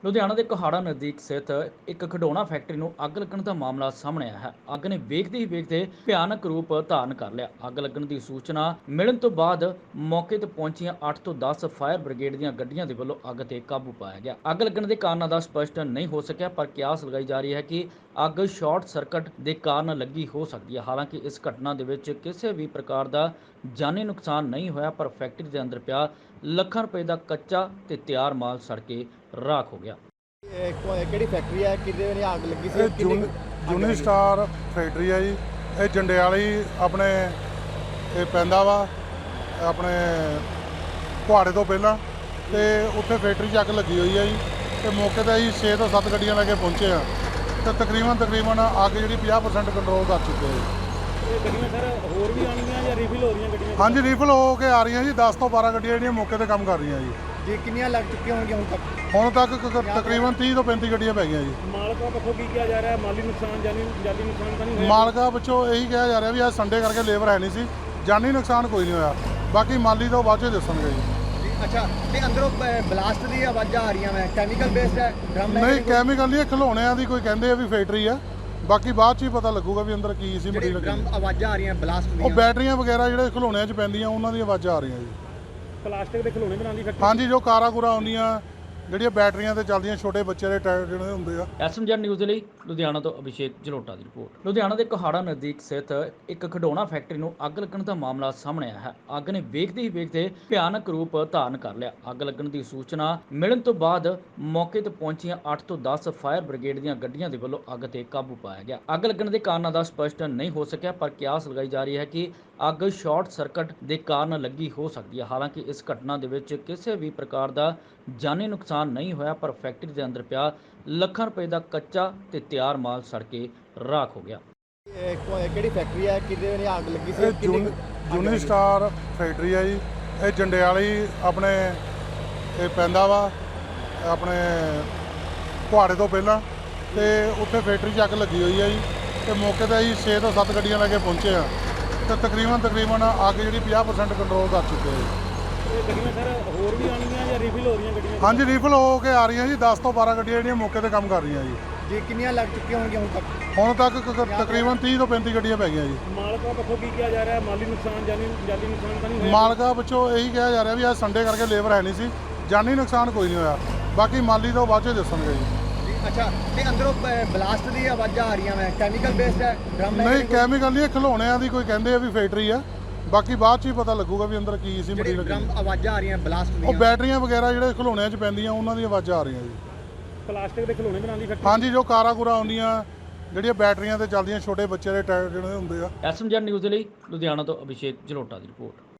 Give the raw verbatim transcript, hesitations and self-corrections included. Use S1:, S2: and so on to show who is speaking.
S1: ਲੁਧਿਆਣਾ ਦੇ ਕੋਹਾੜਾ ਨਜ਼ਦੀਕ ਸਥਿਤ ਇੱਕ ਖਿਡੌਣਾ ਫੈਕਟਰੀ ਨੂੰ ਅੱਗ ਲੱਗਣ ਦਾ ਮਾਮਲਾ ਸਾਹਮਣੇ ਆਇਆ ਹੈ। ਅੱਗ ਨੇ ਵੇਖਦੇ ਹੀ ਵੇਖਦੇ ਭਿਆਨਕ ਰੂਪ ਧਾਰਨ ਕਰ ਲਿਆ। ਅੱਗ ਲੱਗਣ ਦੀ ਸੂਚਨਾ ਮਿਲਣ ਤੋਂ ਬਾਅਦ ਮੌਕੇ ਤੇ ਪਹੁੰਚੀਆਂ ਅੱਠ ਤੋਂ ਦਸ ਫਾਇਰ ਬ੍ਰਿਗੇਡ ਦੀਆਂ ਗੱਡੀਆਂ ਦੇ ਵੱਲੋਂ ਅੱਗ ਤੇ ਕਾਬੂ ਪਾਇਆ ਗਿਆ। ਅੱਗ ਲੱਗਣ ਦੇ ਕਾਰਨਾਂ ਦਾ ਸਪਸ਼ਟ ਨਹੀਂ ਹੋ ਸਕਿਆ, ਪਰ ਕਿਆਸ ਲਗਾਈ ਜਾ ਰਹੀ ਹੈ ਕਿ ਅੱਗ ਸ਼ਾਰਟ ਸਰਕਟ ਦੇ ਕਾਰਨ ਲੱਗੀ ਹੋ ਸਕਦੀ ਹੈ। ਹਾਲਾਂਕਿ ਇਸ ਘਟਨਾ ਦੇ ਵਿੱਚ ਕਿਸੇ ਵੀ ਪ੍ਰਕਾਰ ਦਾ ਜਾਨੀ ਨੁਕਸਾਨ ਨਹੀਂ ਹੋਇਆ, ਪਰ ਫੈਕਟਰੀ ਦੇ ਅੰਦਰ ਪਿਆ ਲੱਖਾਂ ਰੁਪਏ ਦਾ ਕੱਚਾ ਤੇ ਤਿਆਰ ਮਾਲ ਸੜ ਕੇ ਰਾਖ ਹੋ ਗਿਆ।
S2: ਇਹ ਕੋ- ਕਿਹੜੀ ਫੈਕਟਰੀ ਹੈ, ਕਿਹਦੇ ਨੇ ਅੱਗ ਲੱਗੀ ਸੀ?
S3: ਇਹ
S2: ਕਿੰਨੀ
S3: ਜੂਨ
S2: ਅੱਗ
S3: ਜੂਨੀ
S2: ਲੱਗੀ?
S3: ਸਟਾਰ ਫੈਕਟਰੀ ਹੈ ਜੀ। ਇਹ ਜੰਡਿਆਲੀ ਆਪਣੇ ਇਹ ਪੈਂਦਾ ਵਾ ਆਪਣੇ ਕੁਹਾੜੇ ਤੋਂ ਪਹਿਲਾਂ, ਤੇ ਉੱਥੇ ਫੈਕਟਰੀ 'ਚ ਅੱਗ ਲੱਗੀ ਹੋਈ ਹੈ ਜੀ। ਤੇ ਮੌਕੇ ਤੇ ਅਸੀਂ ਛੇ ਤੋਂ ਸੱਤ ਗੱਡੀਆਂ ਲੈ ਕੇ ਪਹੁੰਚੇ ਆ, ਤੇ ਤਕਰੀਬਨ ਤਕਰੀਬਨ ਅੱਗ ਜਿਹੜੀ ਪੰਜਾਹ ਪਰਸੈਂਟ ਕੰਟਰੋਲ ਕਰ ਚੁੱਕੇ ਆ ਜੀ।
S4: ਇਹ ਗੱਡੀਆਂ ਸਰ ਹੋਰ ਵੀ ਆਉਣਗੀਆਂ ਜਾਂ ਰੀਫਿਲ ਹੋ ਰਹੀਆਂ ਗੱਡੀਆਂ?
S3: ਹਾਂਜੀ, ਰੀਫਿਲ ਹੋ ਕੇ ਆ ਰਹੀਆਂ ਜੀ। ਦਸ ਤੋਂ ਬਾਰਾਂ ਗੱਡੀਆਂ ਜਿਹੜੀਆਂ ਮੌਕੇ ਤੇ ਕੰਮ ਕਰ ਰਹੀਆਂ ਜੀ।
S2: ਜੀ ਕਿੰਨੀਆਂ ਲੱਗ ਚੁੱਕੀਆਂ ਹੋਣਗੀਆਂ ਹੁਣ ਤੱਕ?
S3: ਹੁਣ ਤੱਕ ਕ- ਤਕਰੀਬਨ ਤੀਹ ਤੋਂ ਪੈਂਤੀ ਗੱਡੀਆਂ ਪੈ ਗਈਆਂ ਜੀ।
S4: ਮਾਲਕਾਂ ਪੱਖੋਂ ਕੀ ਕਿਹਾ ਜਾ ਰਿਹਾ? ਮਾਲੀ ਨੁਕਸਾਨ, ਜਾਨੀ ਜਾਨੀ ਨੁਕਸਾਨ ਤਾਂ ਨਹੀਂ ਹੋਇਆ?
S3: ਮਾਲਕਾਂ ਵਿੱਚੋਂ ਇਹੀ ਕਿਹਾ ਜਾ ਰਿਹਾ ਵੀ ਅੱਜ ਸੰਡੇ ਕਰਕੇ ਲੇਬਰ ਹੈ ਨਹੀਂ ਸੀ, ਜਾਨੀ ਨੁਕਸਾਨ ਕੋਈ ਨਹੀਂ ਹੋਇਆ। ਬਾਕੀ ਮਾਲੀ ਤੋਂ ਬਾਅਦ 'ਚ ਦੱਸਣਗੇ ਜੀ।
S2: ਜੀ ਅੱਛਾ, ਤੇ ਅੰਦਰੋਂ ਬਲਾਸਟ ਦੀ ਆਵਾਜ਼ਾਂ ਆ ਰਹੀਆਂ, ਮੈਂ ਕੈਮੀਕਲ ਬੇਸਡ ਹੈ ਡਰਮ ਹੈ?
S3: ਨਹੀਂ, ਕੈਮੀਕਲ ਨਹੀਂ, ਇਹ ਖਿਡੌਣਿਆਂ ਦੀ ਕੋਈ ਕਹਿੰਦੇ ਆ ਵੀ ਫੈਕਟਰੀ ਆ। ਬਾਕੀ ਬਾਅਦ 'ਚ ਹੀ ਪਤਾ ਲੱਗੂਗਾ ਵੀ ਅੰਦਰ ਕੀ ਸੀ
S2: ਜਿਹੜੀ
S3: ਮਟੀਰੀਅਲ।
S2: ਡਰਮ ਆਵਾਜ਼ਾਂ ਆ ਰਹੀਆਂ ਬਲਾਸਟ
S3: ਉਹ
S2: ਦੀਆਂ,
S3: ਬੈਟਰੀਆਂ ਵਗੈਰਾ ਜਿਹੜੇ ਖਿਡੌਣਿਆਂ 'ਚ ਪੈਂਦੀਆਂ ਉਹਨਾਂ ਦੀਆਂ ਆਵਾਜ਼ਾਂ ਆ ਰਹੀਆਂ ਜੀ।
S4: ਪਲਾਸਟਿਕ ਦੇ ਖਿਡੌਣੇ ਬਣਾਉਣ ਦੀ ਫੈਕਟਰੀ?
S3: ਹਾਂਜੀ, ਜੋ ਕਾਰਾਂ ਕੂਰਾਂ ਆਉਂਦੀਆਂ ਜਿਹੜੀਆਂ ਬੈਟਰੀਆਂ ਤੇ ਚੱਲਦੀਆਂ, ਛੋਟੇ ਬੱਚੇ ਦੇ ਟਾਇਰ ਜਿਹੜੇ ਹੁੰਦੇ ਆ।
S1: ਐਸਐਮਜੈਡ ਨਿਊਜ਼ ਦੇ ਲਈ ਲੁਧਿਆਣਾ ਤੋਂ ਅਭਿਸ਼ੇਕ ਜਲੋਟਾ ਦੀ ਰਿਪੋਰਟ। ਲੁਧਿਆਣਾ ਦੇ ਕੋਹਾੜਾ ਨਜ਼ਦੀਕ ਸਥਿਤ ਇੱਕ ਖਿਡੌਣਾ ਫੈਕਟਰੀ ਨੂੰ ਅੱਗ ਲੱਗਣ ਦਾ ਮਾਮਲਾ ਸਾਹਮਣੇ ਆਇਆ ਹੈ। ਅੱਗ ਨੇ ਵੇਖਦੇ ਹੀ ਵੇਖਦੇ ਭਿਆਨਕ ਰੂਪ ਧਾਰਨ ਕਰ ਲਿਆ। ਅੱਗ ਲੱਗਣ ਦੀ ਸੂਚਨਾ ਮਿਲਣ ਤੋਂ ਬਾਅਦ ਮੌਕੇ ਤੇ ਪਹੁੰਚੀਆਂ ਅੱਠ ਤੋਂ ਦਸ ਫਾਇਰ ਬ੍ਰਿਗੇਡ ਦੀਆਂ ਗੱਡੀਆਂ ਦੇ ਵੱਲੋਂ ਅੱਗ ਤੇ ਕਾਬੂ ਪਾਇਆ ਗਿਆ। ਅੱਗ ਲੱਗਣ ਦੇ ਕਾਰਨਾਂ ਦਾ ਸਪਸ਼ਟ ਨਹੀਂ ਹੋ ਸਕਿਆ, ਪਰ ਕਿਆਸ ਲਗਾਈ ਜਾ ਰਹੀ ਹੈ ਕਿ ਅੱਗ ਸ਼ਾਰਟ ਸਰਕਟ ਦੇ ਕਾਰਨ ਲੱਗੀ ਹੋ ਸਕਦੀ ਹੈ। ਹਾਲਾਂਕਿ ਇਸ ਘਟਨਾ ਦੇ ਵਿੱਚ ਕਿਸੇ ਵੀ ਪ੍ਰਕਾਰ ਦਾ ਜਾਨੀ ਨੁਕਸਾਨ ਨਹੀਂ ਹੋਇਆ, ਪਰ ਫੈਕਟਰੀ ਦੇ ਅੰਦਰ ਪਿਆ ਲੱਖਾਂ ਰੁਪਏ ਦਾ ਕੱਚਾ ਤੇ ਤਿਆਰ ਮਾਲ ਸੜ ਕੇ ਰਾਖ ਹੋ ਗਿਆ।
S2: ਇਹ ਕੋ- ਕਿਹੜੀ ਫੈਕਟਰੀ ਹੈ, ਕਿਹਦੇ ਨੇ ਅੱਗ ਲੱਗੀ ਸੀ?
S3: ਇਹ
S2: ਕਿੰਨੀ
S3: ਜੂਨ
S2: ਅੱਗ
S3: ਜੂਨੀ
S2: ਲੱਗੀ?
S3: ਸਟਾਰ ਫੈਕਟਰੀ ਹੈ ਜੀ। ਇਹ ਜੰਡਿਆਲੀ ਆਪਣੇ ਇਹ ਪੈਂਦਾ ਵਾ ਆਪਣੇ ਕੁਹਾੜੇ ਤੋਂ ਪਹਿਲਾਂ, ਤੇ ਉੱਥੇ ਫੈਕਟਰੀ 'ਚ ਅੱਗ ਲੱਗੀ ਹੋਈ ਹੈ ਜੀ। ਤੇ ਮੌਕੇ ਤੇ ਅਸੀਂ ਛੇ ਤੋਂ ਸੱਤ ਗੱਡੀਆਂ ਲੈ ਕੇ ਪਹੁੰਚੇ ਆ, ਤੇ ਤਕਰੀਬਨ ਤਕਰੀਬਨ ਅੱਗ ਜਿਹੜੀ ਪੰਜਾਹ ਪਰਸੈਂਟ ਕੰਟਰੋਲ ਕਰ ਚੁੱਕੇ ਆ ਜੀ।
S4: ਇਹ ਗੱਡੀਆਂ ਸਰ ਹੋਰ ਵੀ ਆਉਣਗੀਆਂ ਜਾਂ ਰੀਫਿਲ ਹੋ ਰਹੀਆਂ ਗੱਡੀਆਂ?
S3: ਹਾਂਜੀ, ਰੀਫਿਲ ਹੋ ਕੇ ਆ ਰਹੀਆਂ ਜੀ। ਦਸ ਤੋਂ ਬਾਰਾਂ ਗੱਡੀਆਂ ਜਿਹੜੀਆਂ ਮੌਕੇ ਤੇ ਕੰਮ ਕਰ ਰਹੀਆਂ ਜੀ।
S2: ਜੀ ਕਿੰਨੀਆਂ ਲੱਗ ਚੁੱਕੀਆਂ ਹੋਣਗੀਆਂ ਹੁਣ ਤੱਕ?
S3: ਹੁਣ ਤੱਕ ਕ- ਤਕਰੀਬਨ ਤੀਹ ਤੋਂ ਪੈਂਤੀ ਗੱਡੀਆਂ ਪੈ ਗਈਆਂ ਜੀ।
S4: ਮਾਲਕਾਂ ਪੱਖੋਂ ਕੀ ਕਿਹਾ ਜਾ ਰਿਹਾ? ਮਾਲੀ ਨੁਕਸਾਨ, ਜਾਨੀ ਜਾਨੀ ਨੁਕਸਾਨ ਤਾਂ ਨਹੀਂ ਹੋਇਆ?
S3: ਮਾਲਕਾਂ ਵਿੱਚੋਂ ਇਹੀ ਕਿਹਾ ਜਾ ਰਿਹਾ ਵੀ ਅੱਜ ਸੰਡੇ ਕਰਕੇ ਲੇਬਰ ਹੈ ਨਹੀਂ ਸੀ, ਜਾਨੀ ਨੁਕਸਾਨ ਕੋਈ ਨਹੀਂ ਹੋਇਆ। ਬਾਕੀ ਮਾਲੀ ਤੋਂ ਬਾਅਦ 'ਚ ਦੱਸਣਗੇ ਜੀ।
S2: ਜੀ ਅੱਛਾ, ਤੇ ਅੰਦਰੋਂ ਬਲਾਸਟ ਦੀ ਆਵਾਜ਼ਾਂ ਆ ਰਹੀਆਂ, ਮੈਂ ਕੈਮੀਕਲ ਬੇਸਡ ਹੈ ਡਰਮ ਹੈ?
S3: ਨਹੀਂ, ਕੈਮੀਕਲ ਨਹੀਂ, ਇਹ ਖਿਡੌਣਿਆਂ ਦੀ ਕੋਈ ਕਹਿੰਦੇ ਆ ਵੀ ਫੈਕਟਰੀ ਆ। ਬਾਕੀ ਬਾਅਦ 'ਚ ਹੀ ਪਤਾ ਲੱਗੂਗਾ ਵੀ ਅੰਦਰ ਕੀ ਸੀ
S2: ਜਿਹੜੀ
S3: ਮਟੀਰੀਅਲ।
S2: ਡਰਮ ਆਵਾਜ਼ਾਂ ਆ ਰਹੀਆਂ ਬਲਾਸਟ
S3: ਉਹ
S2: ਦੀਆਂ,
S3: ਬੈਟਰੀਆਂ ਵਗੈਰਾ ਜਿਹੜੇ ਖਿਡੌਣਿਆਂ 'ਚ ਪੈਂਦੀਆਂ ਉਹਨਾਂ ਦੀਆਂ ਆਵਾਜ਼ਾਂ ਆ ਰਹੀਆਂ ਜੀ।
S4: ਪਲਾਸਟਿਕ ਦੇ ਖਿਡੌਣੇ ਬਣਾਉਣ ਦੀ ਫੈਕਟਰੀ?
S3: ਹਾਂਜੀ, ਜੋ ਕਾਰਾਂ ਕੂਰਾਂ ਆਉਂਦੀਆਂ ਜਿਹੜੀਆਂ ਬੈਟਰੀਆਂ ਤੇ ਚੱਲਦੀਆਂ, ਛੋਟੇ ਬੱਚੇ ਦੇ ਟਾਇਰ ਜਿਹੜੇ ਹੁੰਦੇ ਆ।
S1: ਐਸਐਮਜੈਡ ਨਿਊਜ਼ ਦੇ ਲਈ ਲੁਧਿਆਣਾ ਤੋਂ ਅਭਿਸ਼ੇਕ ਜਲੋਟਾ ਦੀ ਰਿਪੋਰਟ।